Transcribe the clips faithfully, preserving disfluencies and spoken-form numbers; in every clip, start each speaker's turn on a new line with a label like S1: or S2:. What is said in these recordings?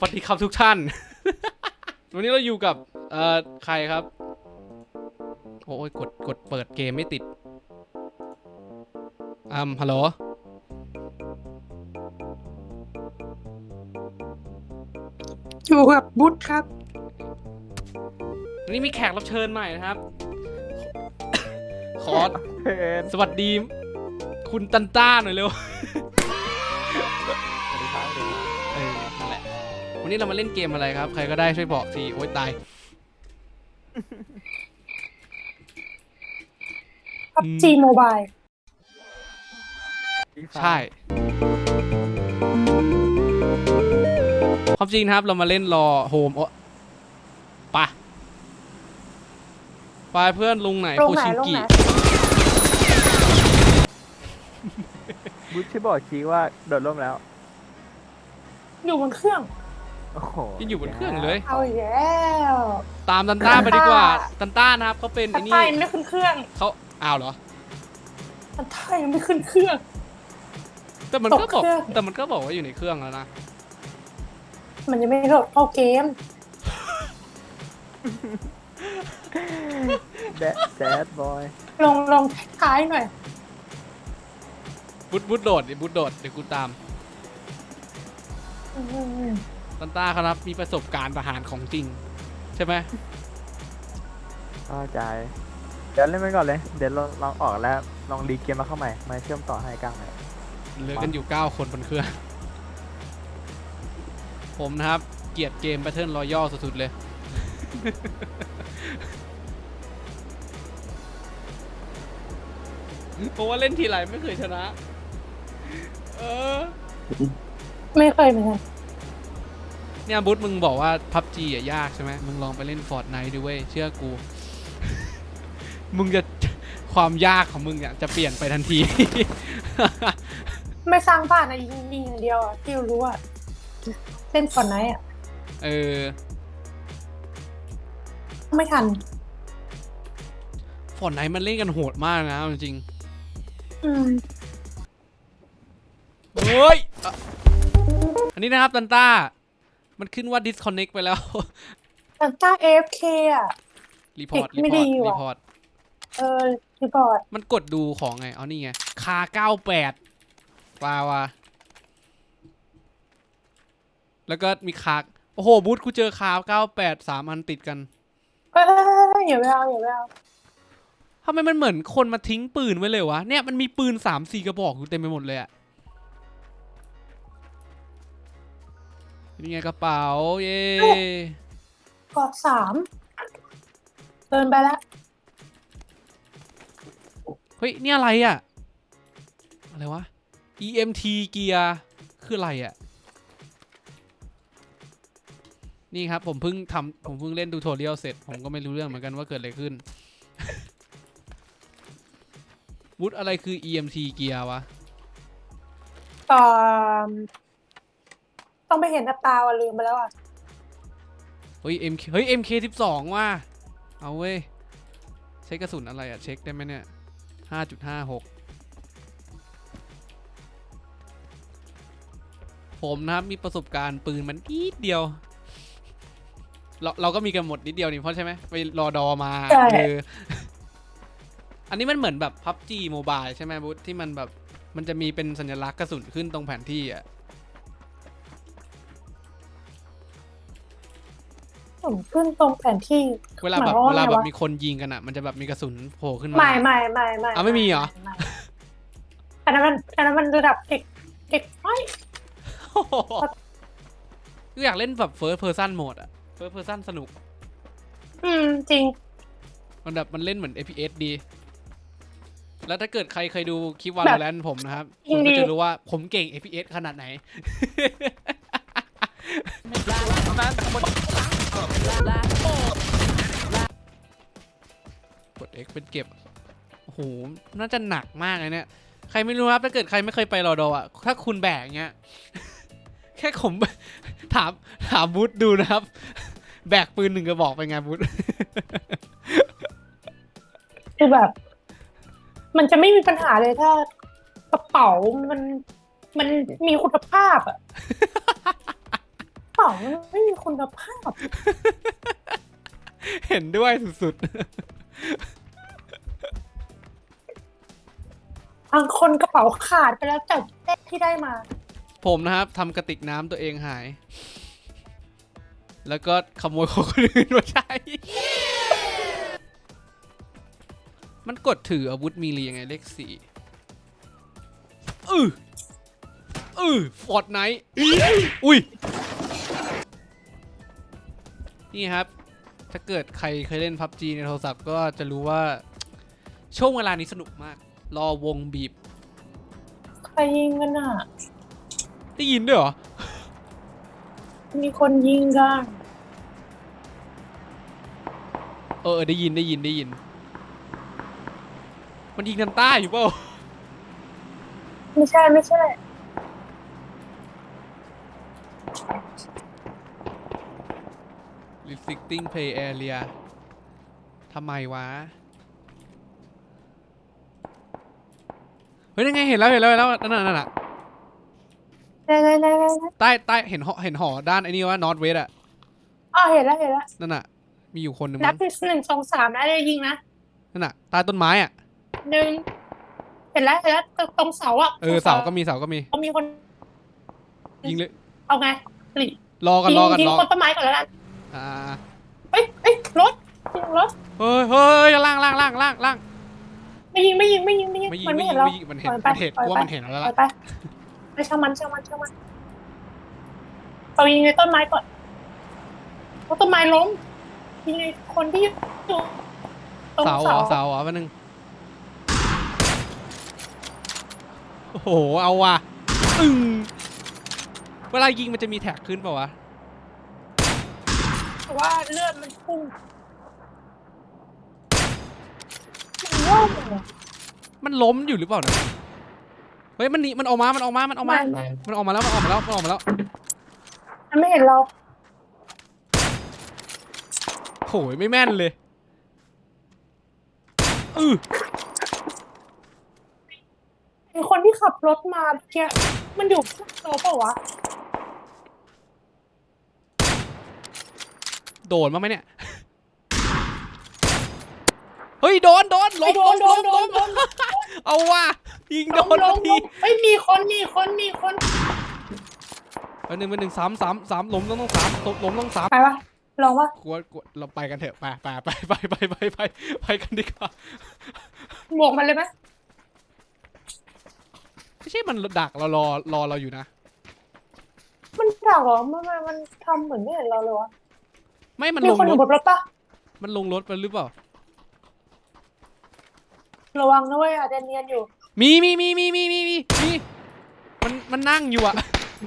S1: สวัสดีครับทุกท่าน วันนี้เราอยู่กับเอ่อใครครับโอ้ยกดกดเปิดเกมไม่ติดอืมฮัลโหล
S2: อยู่กับบุ๊ทครับ
S1: วันนี้มีแขกรับเชิญใหม่นะครับ ขอสวัสดีคุณตันต้าหน่อยเร็ว เออนั่นแหละวันนี้เรามาเล่นเกมอะไรครับใครก็ได้ช่วยบอกทีโอ๊ยตาย
S2: พับจีโมบาย
S1: ใช่ความจริงนะครับเรามาเล่นรอโฮมโอ้ปะไปเพื่อนลุงไหน
S2: ล
S1: โค
S2: งไหน
S1: ชิง
S2: ลง
S1: กิ
S2: ไหน
S3: บุชชี่บอกชี้ว่าโดดร่มแล้ว
S2: อยู่บนเครื่อง
S3: โอ้โห
S1: ยังอยู่บนเครื่องเลย
S2: เอาอีกแล้ว
S1: ตามตันต้าไปดีกว่าตันต้านะครับเขาเป็น
S2: ทั
S1: ไอ้
S2: น
S1: นี่
S2: ไทยไม่ขึ้นเครื่อง
S1: เขาอ้าวเหรอ
S2: ทันไทยไม่ขึ้นเครื่อง
S1: แต่มันก็
S2: ตก
S1: บอก
S2: เครื่อง
S1: แต่มันก็บอกว่าอยู่ในเครื่องแล้วนะ
S2: มันยังไม่โหลดเข้าเกม
S3: แดดแดดบอย
S2: ลงลงท้ายหน่อย
S1: บุดบุดโดดดิบุดโดดเดี๋ยวกูตาม
S2: อืม
S1: ตันต้าครับมีประสบการณ์ทหารของจริง ใช่ไหม
S3: เข้าใจ เดี๋ยวเล่นไปก่อนเลย เดี๋ยวเราลองออกแล้ว ลองรีเกมมาเข้าใหม่ มาเชื่อมต่อให้กลางใหม่
S1: เหลือกันอยู่เก้าคนบนเครื่อง ผมนะครับ เกลียดเกม Battle Royale สุดๆเลย เพราะว่าเล่นทีไรไม่เคยชนะ เออ
S2: ไม่เคยเหมือนกัน
S1: เนี่ยบุ๊ทมึงบอกว่า พับจี อ่ะยากใช่ไหมมึงลองไปเล่น Fortnite ดูเว้ยเชื่อกู มึงจะความยากของมึงเนี่ยจะเปลี่ยนไปทันที
S2: ไม่สร้างบ้านนะยิงยิงอย่างเดียวอะที่รู้อะเล่นก่อนไหนอะ
S1: เออ
S2: ไม่ทัน
S1: Fortnite มันเล่นกันโหดมากนะเอาจริง
S2: อืม
S1: ๆเฮ้ยอ่ะอันนี้นะครับตันต้า มันขึ้นว่า disconnect ไปแล้ว
S2: ทันต้าเอฟเคอะ
S1: รีพอร์ต
S2: เด็ก
S1: รี
S2: ไม่
S1: พอ
S2: ดี
S1: ร์ต
S2: ว่ะ
S1: รีพอร์ต
S2: เออรีพอร์ต
S1: มันกดดูของไงเอานี่ไง คาเก้าแปดปาว่ะแล้วก็มีคาโอ้โหบูธกูเจอคาเก้าแปดสามอันติดกัน
S2: เอ้ยอย่าไปเอาอย่าไปเอา
S1: ทำไมมันเหมือนคนมาทิ้งปืนไว้เลยวะ เนี่ยมันมีปืนสามสี่กระบอกอยู่เต็มไปหมดเลยอะนี่ไงกระเป๋า เย้
S2: กอดสามเดินไปแล้ว
S1: เฮ้ย นี่อะไรอะอะไรวะ อี เอ็ม ที เกียร์คืออะไรอะนี่ครับผมเพิ่งทำผมเพิ่งเล่นดูโทเรียลเสร็จ ผมก็ไม่รู้เรื่องเหมือนกันว่าเกิดอะไรขึ้น วุฒอะไรคือ อี เอ็ม ที เกียร์วะ
S2: ตอนต้องไปเห็นกับตาว่ะลืมไปแล้วอ่ะ
S1: เฮ้ย MK เฮ้ย เอ็ม เค สิบสอง ว่ะเอาเว้ยใช้กระสุนอะไรอะเช็คได้ไหมเนี่ย ห้าจุดห้าหก ผมนะครับมีประสบการณ์ปืนมันนิดเดียว เราเราก็มีกันหมดนิดเดียวนี่เพราะใช่ไหมไปรอดอมา
S2: ใช่
S1: เอออันนี้มันเหมือนแบบ พับจี Mobile ใช่ไหมบุ๊ทที่มันแบบมันจะมีเป็นสัญลักษณ์กระสุนขึ้นตรงแผนที่อ่ะ
S2: ผมขึ้นตรงแผนที่
S1: เวลาแบบ
S2: หมย
S1: เว
S2: คว
S1: ลา
S2: ไง
S1: แบบ
S2: วะ
S1: มีคนยิงกันอ่ะมันจะแบบมีกระสุนโผล่ขึ้นมา
S2: ไม่ไม่ไม่ไม่
S1: อ่ะไม่มีเหรอ
S2: ไม่อันนั้นมันอันนั้นมันระดับเด็กเด็กไม่
S1: ก็อยากเล่นแบบ first person mode อะ first person สนุก
S2: อืมจริง
S1: มันแบบมันเล่นเหมือน เอฟ พี เอส ดี แล้วถ้าเกิดใครเคยดูคลิป
S2: แบบ
S1: Valorant ผมนะครับ
S2: จริ
S1: คุ
S2: ง
S1: ณ
S2: ดิ
S1: ก็จะรู้ว่าผมเก่ง เอฟ พี เอส ขนาดไหน กด X เป็นเก็บ โอ้โห น่าจะหนักมากเลยเนี่ย ใครไม่รู้ครับ ถ้าเกิดใครไม่เคยไปรอดออ่ะ ถ้าคุณแบกเงี้ย แค่ผม ถามถามบูธดูนะครับ แบกปืนหนึ่งกระบอกไปไงบูธ
S2: คือแบบ มันจะไม่มีปัญหาเลยถ้ากระเป๋ามันมันมีคุณภาพอ่ะ ถ้ป๋ามันไม่มีคุณภาพ
S1: เห็นด้วยสุด
S2: บางคนกระเป๋าขาดไปแล้วจากเลขที่ได้มา
S1: ๆ ผมนะครับทำกระติกน้ำตัวเองหาย แล้วก็ขโมยของคนอื่นมาใช้ มันกดถืออาวุธมีรียังไงเลขสี่อืออือฟอร์ดไนท์อุ้ย นี่ครับ ถ้าเกิดใครเคยเล่น พับจี ในโทรศัพท์ก็จะรู้ว่า ช่วงเวลานี้สนุกมาก รอวงบีบ
S2: ใครยิงกันอ่ะ
S1: ได้ยินด้วยเหรอ
S2: มีคนยิงกัน
S1: เออ ได้ยินได้ยินได้ยิน มันยิงทางใต้อยู่เปล่า
S2: ไม่ใช่ไม่ใช่
S1: restricting play area ทำไมวะ เฮ้ยยังไงเห็นแล้วเห็นแล้วเห็นแล้วนั่นน่ะนั่นน่ะ
S2: ได้ได้ได้ได้
S1: ใต้ใต้เห็นหอเห็นหอด้านไอ้นี่ว่า north west อะ
S2: อ๋อเห็นแล้วเห็นแล้ว
S1: นั่นน่ะ มีอยู่คนหนึ่ง
S2: นั
S1: มั้
S2: บ
S1: ง
S2: ที่หนึ่งสองสามนะได้ยิงนะ
S1: นั่นน่ะใต้ต้นไม้อะ
S2: หนึ่งเห็นแล้วเห็นแล้วตรงเสาอ่ะ
S1: เออเสาก็มีเสาก็มี
S2: เขามีคน
S1: ยิงเลย
S2: เอาไงหลี
S1: รอกัน
S2: ยิง
S1: รอกัน
S2: ยิง
S1: รอ
S2: คนต้นไม้ก่อนแล้วกัน
S1: อ่า
S2: เอ้ยเอ้ยรถยิงรถ
S1: เฮ้ยเฮ้ยล่างล่างล่างล่างล่าง
S2: ไม่ยิงไม่ยิงไม่ยิงไม่ยิง
S1: ไม่ยิง
S2: มัน
S1: ไม่
S2: ไม่
S1: ยิ
S2: เห็
S1: ง
S2: นเรา
S1: ไม่ยิงมันเห็น
S2: ปล่
S1: มั
S2: อย
S1: นเห็น
S2: ไป
S1: กูว่า
S2: ปล่อย
S1: มันเห็นแล้ว
S2: ไป
S1: ล่ะ
S2: ไปไปช่างมันช่างมันช่างมันเรายิงในต้นไม้ก่อนเพราะต้นไม้ล้มยิงในคนที่อยู่ตรง
S1: เสาเหร
S2: เสา
S1: อเสาเหรอแป๊บนึงโอ้โหเอาว่ะอึ้งเวลายิงมันจะมีแท็กขึ้นเปล่าวะ
S2: แต่ว่าเลือดมันพุ่งมันโล่งเลย
S1: มันล้มอยู่หรือเปล่านะเฮ้ยมันหนีมันออกมามันออกมามันออกมา
S2: มัน
S1: มันออกมาแล้วมันออกมาแล้วมันออกมาแล้ว
S2: มันไม่เห็นเรา
S1: โหยไม่แม่นเลยอือ
S2: ไอคนที่ขับรถมาเมื่อกี้มันอยู่ข้างเราเปล่าวะ
S1: โดนมาไหมเนี่ยเฮ้ยโดนโดนล้
S2: ไอ
S1: ม
S2: โด
S1: ล้
S2: น
S1: ม
S2: โด
S1: ล้
S2: น
S1: ม
S2: โด
S1: ล้
S2: น
S1: ม
S2: โดน
S1: เอาว่ะยิงโดน
S2: ล
S1: ทั
S2: ง
S1: น
S2: ล
S1: ที
S2: งเฮ้ยมีคนมีคนมีคน
S1: อันหนึ่งเป็นหนึ่งสามสามสามล้มต้องต้องสามตกล้มต้องสาม
S2: ไปวะลองวะ
S1: กลัวกลัวเราไปกันเถอะไปไปไปไปไปไปไปไปกันดีกว่า
S2: บวกมันเลยไหม
S1: ไม่ใช่มันดักเรารอรอเราอยู่นะ
S2: มันด่าเหรอมันมันมันทำเหมือนไม่เห็นเราเลยวะ
S1: ไม่มัน
S2: มี
S1: ลง
S2: คนอ
S1: ร
S2: ยู่
S1: ถ
S2: บนรถปะ
S1: มันลงรถไปหรือเปล่า
S2: ระวังนะเว้ยอาจจะเนียนอยู่
S1: มีมีมีมีมีมีมีมีมันมันนั่งอยู่อะ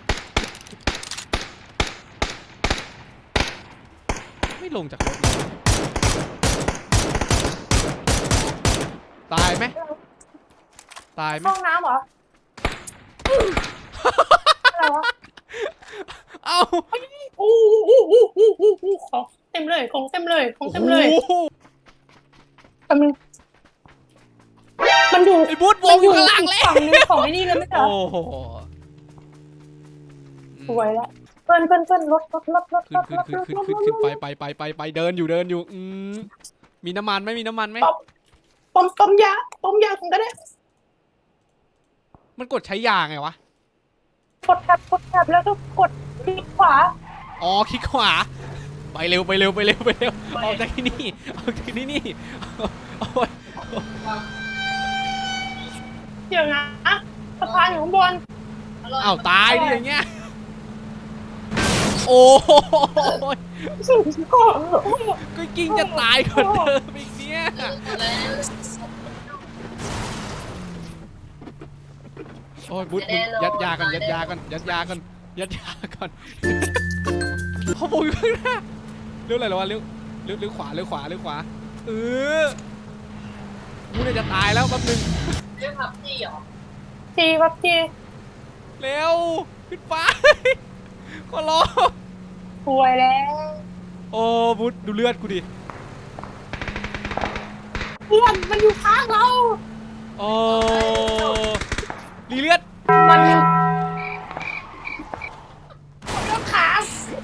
S1: ไม่ลงจากรถเลยตายไหมตายไหม
S2: ห้องน้ำเหรออะไรวะ
S1: เอ้า
S2: อู้อู้อู้อู้อู้อู้ของเต็มเลยของเต็มเลยของเต็มเลย
S1: โอ้โห
S2: แต่มันมันอยู่
S1: ไอ้บูธว
S2: มั
S1: งอยู่ข้างหลัง
S2: อีก
S1: แล้ว
S2: ฝั่งหนึงของไอ้นี่เลยไม่ใช่เหร
S1: โอ้
S2: อ
S1: โห
S2: สวยแล้วเพื่อนเพื่อนเพื่อนรถรถรถรถ
S1: ขึ้
S2: ร
S1: น
S2: ถ
S1: ขึ้น
S2: รถ
S1: ขึ้น
S2: รถ
S1: ขึ้น
S2: รถ
S1: ขึ้นขึ้นไปไปไปไปไปเดินอยู่เดินอยู่อืมมีน้ำมันไหมมีน้ำมันไหม
S2: ต้มต้มยาต้มยาผมก็ได้
S1: มันกดใช้ยาไงวะ
S2: กดแท็บกดแท็บแล้วก็กดคลิกขวา
S1: อ๋อคลิกขวาไปเร็วไปเร็วไปเร็วไปเร็วออกจากที่นี่ออกจากที่นี่เอาไว้
S2: เดี๋ยวนะสะพานอยู่ข้างบน
S1: อ้าวตายดิอย่างเงี้ยโอ้โห
S2: สุดก่อน
S1: ก็กิ้งจะตายก่อนเดิมอีกเนี่ยโอ้ยบุ๊ดมึงยัดยากันยัดยากันยัดยากันยัดยากันเขาบอกอยู่ข้างหน้าเลี้ยวอะไรหรอวะเลี้ยวเลี้ยวเลี้ยวขวาเลี้ยวขวาเลี้ยวขวาเออกูเนี่ยจะตายแล้วแป๊บนึง
S2: จีครับจี
S1: เร็วขึ้นไปก็รอ
S2: สวยแล้ว
S1: โอ้บุ๊ดดูเลือดกูดิ
S2: เพื่อนมันอยู่ข้างเรา
S1: โอ้รีเลือด
S2: มันมันขา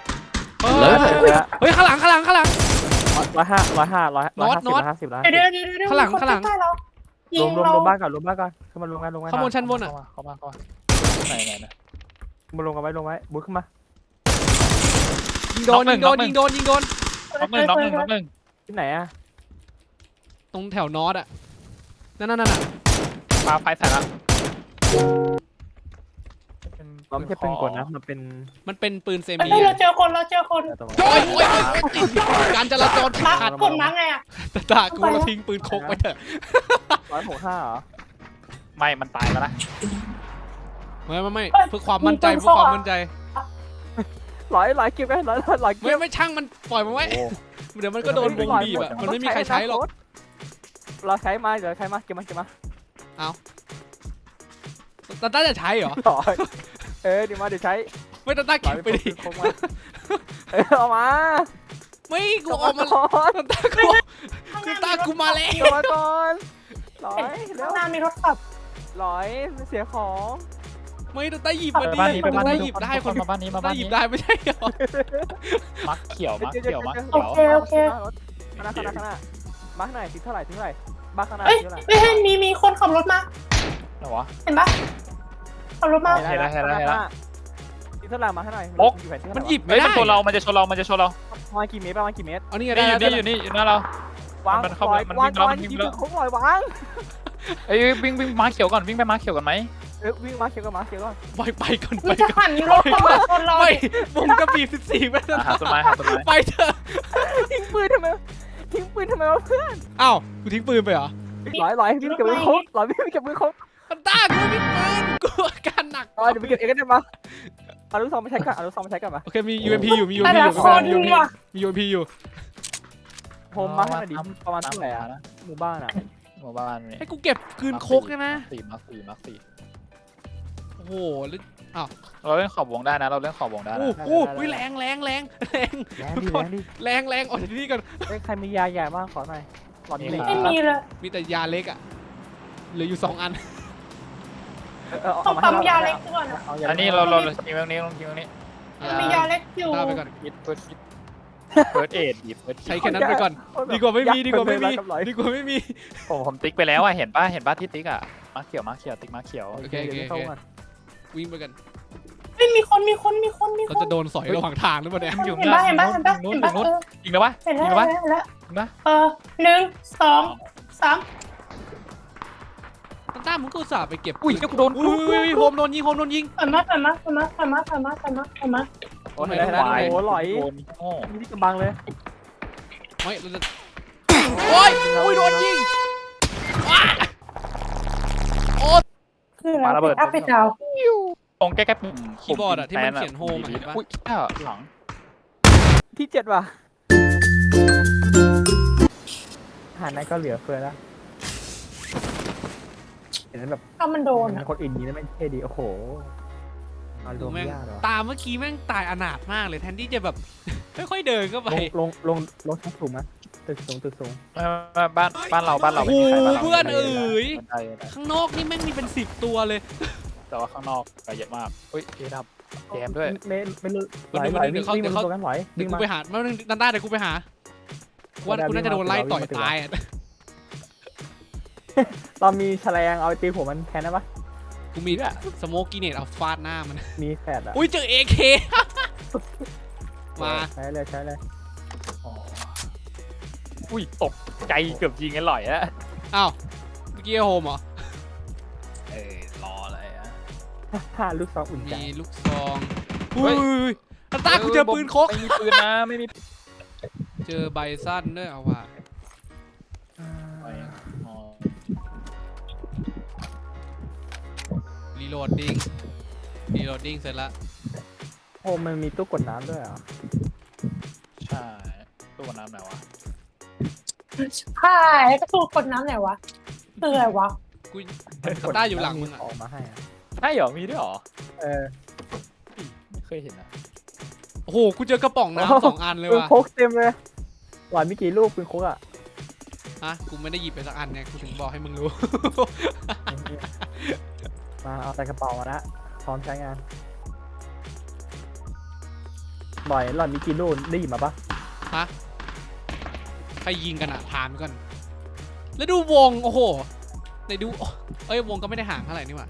S1: เฮ้ย
S3: เลิศ
S1: เฮ้ยข้างหลังข้างหลังข้างหลัง
S3: ร้อยห้าร้อยห้าร้อย
S1: น็
S3: ร้อย
S1: อต
S3: ห้าสิบ
S1: น็อต
S3: ร้อยห้าสิบร้อย
S2: เดี๋
S3: ห้า
S2: ยว
S3: สิบ
S2: เดี๋ยวเดี๋ยวเดี๋ยว
S1: ข้างหลัง
S2: มีคน
S1: ข้างหลัง
S2: ใกล้ๆเรายิ
S3: รวม
S2: ง
S3: รวม
S2: เรา
S3: รวมบ้านก่อนรวมบ้านก่อนขึ้นมารวมกันรวมกัน
S1: ข้างบนชั้นบนอ่ะ
S4: เข้ามาเข้ามาไหนไหนไหน
S3: ขึ้นมารวมกันไว้รวมไว้บุ๊คขึ้นมา
S1: ยิงโดนยิงโดนยิงโดนยิงโดน
S4: น็อกหนึ่งน็อกหนึ่งน็อกหนึ่ง
S3: ที่ไหนอะ
S1: ตรงแถวนอตอ่ะนั่นนั่นนั่นอ่ะ
S4: ปาไฟใส่ละ
S3: เป็นมันไม่ใช่ปืนกลนะมันเป็น
S1: มันเป็นปืนเซ
S2: เฮ้
S1: มิ
S2: ยเรา
S1: อะ
S2: เจอคนเราเจอคน
S3: ตรง
S1: โอ้ยโอ้ยโอ้ยโอ้ยการจราจร
S2: มา
S1: ขาด
S2: กดมาไงอ่ะ
S1: ตาตากูเราทิ้งปืนคกไปเถอะ
S3: ร้อยหกห้าเหรอ
S4: ไม่มันตายแล้วนะ
S1: ไม่ไม่ไม่เพื่อความมั่นใจเพื่อความมั่นใจ
S3: ร้อยร้อยเก็บไว้ร้อยร้อยร้อย
S1: ไม่
S3: เก็บ
S1: ไม่ช่างมันปล่อยมันไว้
S4: โอ้
S1: เดี๋ยวมันก็โดนวงบีบอะมันไม่มีใครใช้หรอก
S3: เราใช้มาเดี๋ยวใช้มาเก็บมาเก็บมา
S1: ตาต้าจะใช้เหรอ
S3: ร้อยเออเดี๋ยวมาเดี๋ยวใช้
S1: ไม่ตาต้า
S3: ร้
S1: เก็
S3: อบ ย
S1: ไปดิ
S3: คงมาเออเอามา
S1: ไม่กู
S3: กลับ
S1: เอา
S3: มา
S1: มา
S3: ก่อน
S1: ตาต้ากูคือตากูมาแล้ว
S3: กลับมาก่อนร้อยแล้
S2: ข้าว งหน้ามีรถขับ
S3: ร้อยมันเสียของ
S1: ไม่ตาต้าหยิบ
S4: ไป
S1: มาดิ
S4: บ้านนี้ไปบ้าน
S1: ตา
S4: นี้
S1: หยิบได้คน
S4: มาบ้านนี้มา
S1: ตา
S4: บ้าน
S1: หยิ
S4: นี้
S1: บได้ไม่ใช่เหรอ
S4: มักเขียวมักเขียวมัก
S2: โอ
S4: เขียว
S2: เคโอเค
S3: ข้างหน้าข้างหน้าข้างหน้ามาข้างหน้าทิ้งเท่าไหร่ทิ้งเท่าไหร่บ้าข้างหน้า
S2: เอ้ย
S3: ทิ้งเท่าไหร่
S2: เฮ้ยมีมีคนขับรถมา
S4: ไหนวะ
S2: เห็นปะขับรถมา
S4: เห็นแล้วเห็นแล้วเห็นแล้ว
S3: ทิ้งเท่าไหร่มาให้หน่อย
S4: โอ๊ะ
S3: อยู่แผนที่
S1: มันหยิบ
S4: เฮ้
S1: ไม่
S4: ย
S1: ได้
S4: มันชนเรา มันจะชนเรา มันจะชนเรา
S3: ประมาณกี่เมตรประมาณกี่เมตร
S1: เอานี่ไง
S4: นี่
S1: ได้
S4: อยู่
S1: ได้
S4: นี่อยู่นี่อยู่หน้าเรา
S3: วาง
S4: มันเข้า
S3: ปล่อย
S4: มัน
S3: วา
S4: วิ่
S3: ง
S4: งแล้ว
S3: วาง
S4: มันวิ่ง
S3: ยิง
S4: แล้ว
S3: โค้งปล่อยวาง
S4: เอ้ยวิ่งวิ่งม้าเขียวก่อนวิ่งไปม้าเขียวก่อนไหม
S3: เออวิ่งมาเขียวกับมาเขียวก่อน
S1: ปล่อยไปก่อนไป
S2: มันจะ
S1: ก่อน
S2: หันรถเข้ามาชนเรา
S1: ไม่วงกระบี่สิบสี่ไป
S4: อ่ะหาต้นไม้หาต้นไม้
S1: ไปเถอะ
S3: ทิ้งปืนทำไมทิ้งปืนทำไมวะเพื่อน
S1: อ้าวกูทิ้งปืนไปเหรอ
S3: ร้อยร้อยวิ่งเก็บมือครบร้อยวิ่งเก็บมือครบ
S1: ตาต้ากูไม่มีปืนกูอาการหนัก
S3: ร้อยเดี๋ยวไปเก็บเองก็ได้มาเอาลูกซองมาใช้ก่อนเอาลูกซองมาใช้ก่อนมา
S1: โอเคมี ยู เอ็ม พี อยู่มี ยู
S2: แต่
S1: เอ็ม พี
S2: ละ
S1: อยู่
S2: คน
S1: มี
S2: ว่ะ
S1: มี ยู เอ็ม พี อยู่
S3: โฮมมาให้หน่อยดิประมาณเท่าไหร่อะหมู่บ้านอะ
S4: หมู่บ้านนี่
S1: ให้กูเก็บคืนโคกใช่ไหม
S4: สี่มาสี่มาสี่
S1: โอ้โหแล้ว
S4: เราเล่นขอบวงได้นะ เราเล่นขอบวงได้
S1: โอ้
S4: นะ
S1: โหอุ๊ยแรงแรงแรงแรง
S3: แรงดิแรงดิ
S1: แรงแรงออกจากที่นี่ก่อน
S3: เฮ้ยใครมียาใหญ่บ้างขอหน่อยหลอดนี้เลย
S2: ไม่มีเลย
S1: มีแต่ยาเล็กอ่ะเหลืออยู่สองอัน
S3: เออ
S2: ต้
S3: เอา
S2: อง
S3: มาให้
S2: ปั๊มยาเล็กก่อนอะ
S3: เอายา
S4: อันนี้เราเราทิ้งตรงนี้ลงทิ้งตรงนี้
S2: มียาเล็กอยู่
S1: ตาไปก่อน
S4: คิดเฟิร์สคิดเฟิร์สเอ็ดหยิบเฟิร์ส
S1: ใช้แค่นั้นไปก่อน ดีกว่าไม่มีดีกว่าไม่มีดีกว่าไม่มี
S4: ผมผมติ๊กไปแล้วอ่ะ เห็นป่ะ เห็นป่ะที่ติ๊กอ่ะมาเขียวมาเขียวติ๊กมาเขียว
S3: โอเคโอเคเข้าก่อน
S1: วิ่งไปกัน
S2: ไม่มีคนมีคนมีคนมีค
S1: เรา
S2: น
S1: จะโดนสอยระหว่างทางหรือเปล่าเนี่ย
S4: อยู่
S2: เห็นปะเห็นปะเห็นปะ
S4: นู้น
S2: เห็น
S4: อ
S2: ปะ
S4: ยู่นู้น
S2: เออ
S4: จริงแล้ววะ
S2: เห็น
S4: จริ
S2: แล้ว
S4: งแล้ววะ
S2: เห็นแล้ว
S4: เห็นปะ
S2: เออหนึ่งสองสาม
S1: ตาต้ามึงก็อุตส่าห์ไปเก็บ
S4: อุ้ยเจ้ากูโดน
S1: อุ้ยโฮมโดนยิงโฮมโดนยิง
S2: ถอยมาถอยมาถอยมาถอยมาถอยมาถอยมาถอยมา
S3: โอ้ยได้แล้วโอ้หลอย
S4: โดนโง่
S3: มีที่กำบังเลย
S1: ไม่เราจะโอ้ยอุ้ยโดนยิงว้า
S2: คืออะไรอัพไปดาว
S4: ตรงใกล้ๆปุ่ม
S1: คีย์บอร์ดอะที่มันเขียนโฮมอะเห็นปะ
S4: อุ้ยเจ้าหลัง
S3: ที่เจ็ดว่ะหานั้นก็เหลือเฟือแล้วเห็นแบบ
S2: ถ้ามันโดน
S3: มั
S2: อะ
S3: นคนอื่นนี้แล้วไม่เท่ดีโอ้โหอาร
S1: ดู
S3: มณ์
S1: แม่ง
S3: ยากเหรอ
S1: ตาเมื่อกี้แม่งตายอนาถมากเลยแทนที่จะแบบ ค่อยๆเดินเข้าไป
S3: ลงลงลงลงชั้นสูงไหมตึกสูงตึกสูง
S4: บ้านบ้านเราบ้านเรา
S1: โอ้
S4: ไม่
S1: โห
S4: มีใครบ้านเรา
S1: เพื่อนเอ๋ย
S4: บันไดบันได
S1: ข้างนอกนี่แม่งมีเป็นสิบตัวเลย
S4: แต่ว่าข้างนอกก็เยอะมากอุ้ยเอดับแจมด้วย
S3: ไม่ไม่รู้
S1: วันหนึ่ง
S3: ไหล
S1: วันหนึ่ง
S3: วิ่ง
S1: เดี๋ยว
S3: วิ่ง
S1: เขา
S3: มาตัวกันไหล
S1: เดี๋ยว
S3: วิ่ง
S1: กู
S3: มา
S1: ไปหาไม่ต้องดันได้เดี๋ยวกูไปหากูว่ากูน่าจะโดนไล่ต่อยตายอ่ะ
S3: เรามีแฉลงเอาไปตีหัวมันแทนได้ปะ
S1: กูมีสโมกกีเนตเอาฟาดหน้ามัน
S3: มีแฟดอ่ะ
S1: อุ้ยเจอเอเคมา
S3: ใช้เลยใช้เลย
S4: อ๋ออุ้ยตกใจเกือบยิงกันหล่อยอะ
S1: อ้าวเมื่อกี้โฮมเหรอ
S4: เออรออะไรอะ
S3: ห้าลูกซองอุ่นใจ
S1: มีลูกซองอุ้ยตาตากูเจอปืนโคก
S4: ไม่มีปืนนะไม่มี
S1: เจอใบสั้นด้วยเอาว่ะ
S4: อ๋อ
S1: รีโหลดดิ้งรีโหลดดิ้งเสร็จละ
S3: โอ้มันมีตู้กดน้ำด้วยเหรอ
S4: ใช่ตู้น้ำไหนวะ
S2: ใช่ก็ถูกกดน้ำไหนวะคืออะไรวะ
S1: กูตาตาอยู่หลังมึงอ่ะ
S3: ออกมาให้อะ
S4: ใช่เหรอมีด้วยเหรอ
S3: เออ
S4: ไม่เคยเห็นนะ
S1: โอ้โหกูเจอกระป๋องน้ำสองอันเลย
S3: ปืน
S1: ว่ะ
S3: โคกเต็มเลยหวานมีกี่ลูกปืนโคกอ่ะ
S1: ฮะกูไม่ได้หยิบไปสักอันไงกูถึงบอกให้มึงรู้
S3: มาเอาใส่กระเป๋ามาละพร้อมใช้งานบ่อยหล่อนมีกี่ลูกได้หยิบมาปะ
S1: ฮะใครยิงกันอะถามก่อนแล้วดูวงโอ้โหไหนดูเอ้ยวงก็ไม่ได้ห่างเท่าไหร่นี่หว่า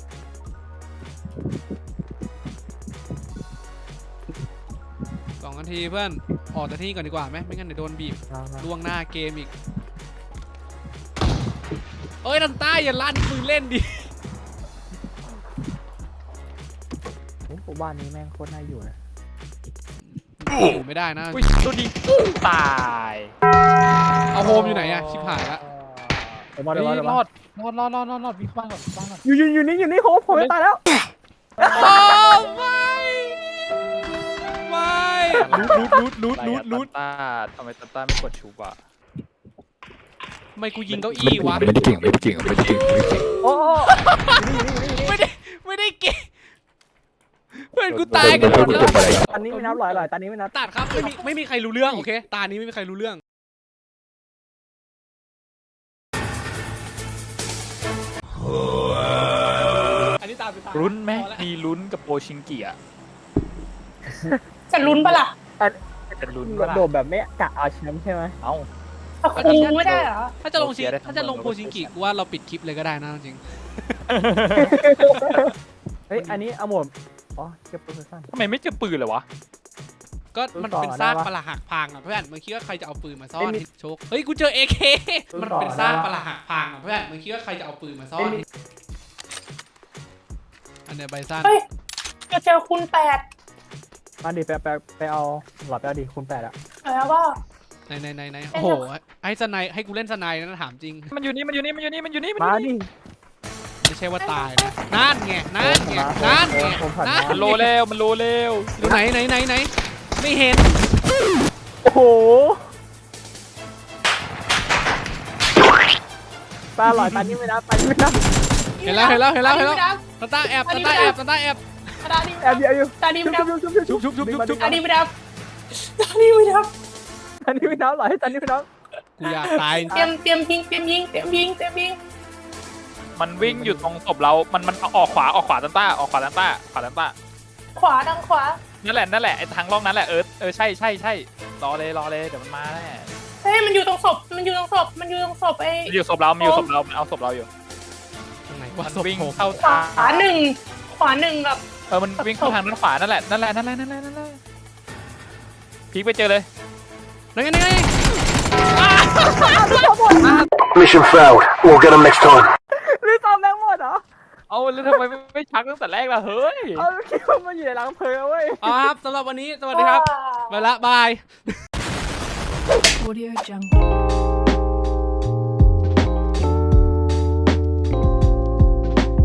S1: สองนาทีเพื่อนออกจากที่นี่ก่อนดีกว่าไหมไม่งั้นเดี๋ยวโดนบีบ
S3: มามา
S1: ล่วงหน้าเกมอีกเอ้ยดันต้าอย่าลั่นปืนเล่นดิ
S3: โอ้โหหบ้านนี้แม่งโคตรน่าอยู่นะ
S1: อยู่ไม่ได้นะ
S4: อุ้ยตัวดีตาย
S1: เอาโฮมอยู่ไหนอะชิบหายละ
S3: เดี๋ยวมา
S4: เฮ้
S3: เดี๋ยวมาเดี๋ยว
S4: ยร
S3: มา
S4: อดรอดรอดรอดรอดรอดวิ่งเข้าบ้านก่อนบ้านก่อน
S3: อยู่อยู่อยู่นี่อยู่นี่โหผมจะตายแล้ว
S1: โอ้ไม่ไม่รูดรูดรูดรูดรูด
S4: ตาทำไมตาตาไม่กดชูบะ
S1: ทำไมกูยิงเก้าอี้วะ
S5: ไม่ได้เก่งไม่ได้เก่งไม่ได้เก่งไม่ได้เก่ง
S3: โอ้โห
S1: ไม่ได้ไม่ได้เก่งเพื่อนกูตายกันหมดแล้ว
S3: ตอนนี้ไม่นับหลอยหลอยตอนนี้ไม่นับ
S1: ตัดครับไม่มีไม่มีใครรู้เรื่องโอเคตานี้ไม่มีใครรู้เรื่อง อันนี้ตามสุดท้าย
S4: ลุ้นไหม
S1: พอแล้ว
S4: มีลุ้นกับโปชิงกิอะ
S2: จะลุ้นปะล่ะ
S4: จะลุ้นก็ได้
S3: โดดแบบไม่กะเอาแชมป์ใช่ไหม
S4: เอ้า
S2: ตะคูไม่ได้เหรอ
S1: ถ้าจะลงชิง
S4: โอเคได้ทั้ง
S1: ถ้าจะลง
S4: เมือง
S1: โพชิงกิกูว่าเราปิดคลิปเลยก็ได้นะจริง
S3: เฮ้ยอันนี้เอาหมดอ๋อเก็บปืนสั้น
S4: ทำไมไม่เจอปืนเลยวะ
S1: ก็มัน
S3: ต่อ
S1: เป็นซาก
S3: ได้ปะ
S1: ปรักหักพังอ่ะเพื่อนมึงคิดว่าใครจะเอาปืนมาซ่อ
S3: ไม่
S1: น
S3: มี
S1: โชคเฮ้ยกูเจอ เอ เค
S3: ต่อ
S1: มันเป็นซาก
S3: ได้ปะ
S1: ปรักหักพังอ่ะเพื่อนมึงคิดว่าใครจะเอาปืนมาซ่อน
S3: ไม่มี
S1: อันเนี้ยใบสั้น
S2: เฮ้ยจะเจอคุณแปด
S3: มาดิไปไปไปเอาหลอดไปเอาดิคูณแปดอะ
S2: แล้วก็
S1: ไหนไหนไหนไหนโอ้โหให้สไนด์ให้กูเล่นสไนด์นะถามจริง
S4: มันอยู่นี่มันอยู่นี่มันอยู่นี่มันอยู่นี่มันอ
S3: มา
S4: ยู่นี่
S3: ดิ
S1: ไม่ใช่ว่าตายนะนั่นไงนั่นไงนั่นไงนั่น
S4: มันโลเร็วมันโลเร็ว
S1: อยู่ไหนไหนไหนไหนไม่เห็น
S3: โอ้โหตาหลอยตอนนี้ไม่นับตอนนี้ไม่นับ
S1: เห็นแล้วเห็นแล้วเห็นแล้วเห็นแล้วตาตาแอบตาตาแอบตาตาแอบ
S2: ตาดี
S3: แอบอยู่แอบอยู่
S2: ตาดีไม่ดับ
S3: ชุบชุบชุบ
S1: ชุบชุบชุบชุบชุบ
S2: ตาดีไม่ดับตาดีไม่ดับ
S3: ตอนนี้ไม่นับหลอยตอนนี้ไม่นับ
S1: กูอยากตาย
S2: เตรียมเตรียมยิงเตรียมยิงเตรียมยิงเตรียมยิง
S4: มันวิ่งอยู่ตรงศพเรา มันมันเอาออกขวาออกขวาตันต้าออกขวาตันต้าขวาตันต้า
S2: ขวาดังขวา
S4: นั่นแหละนั่นแหละไอ้ทางร่องนั้นแหละเออเออใช่ใช่ใช่รอเลยรอเลยเดี๋ยวมันมาแน่
S2: เฮ้ยมันอยู่ตรงศพมันอยู่ตรงศพมันอยู่ตรงศพไอ้
S4: มันอยู่ศพเรามันอยู่ศพเรามันเอาศพเราอยู่
S1: ตรงไหนวะ
S4: มัน
S1: ศพ
S4: วิ่ง
S1: โผล่
S4: เข้า
S2: ขวา
S4: ทาง
S2: หนึ่งขวาหนึ่งกับ
S4: เออมันวิ่งเข้าทางด้านขวานั่นแหละนั่นแหละนั่นแหละนั่นแหละนั่นแหละพีคไปเจอเลย
S1: ไหนไงไหนไง
S6: Mission failed. We'll get them next time.
S3: รีซอมแม่งหมดเหรอ
S4: เอาแล้วทำไมไม่ไม่ชักตั้งแต่แรกล่ะเฮ้ย
S3: เอาคิดว่ามันอยู่ในรังเพลิงเว้ย
S1: เอาครับสำหรับวันนี้สวัสดีครับไปละบาย
S7: Audio Jungle.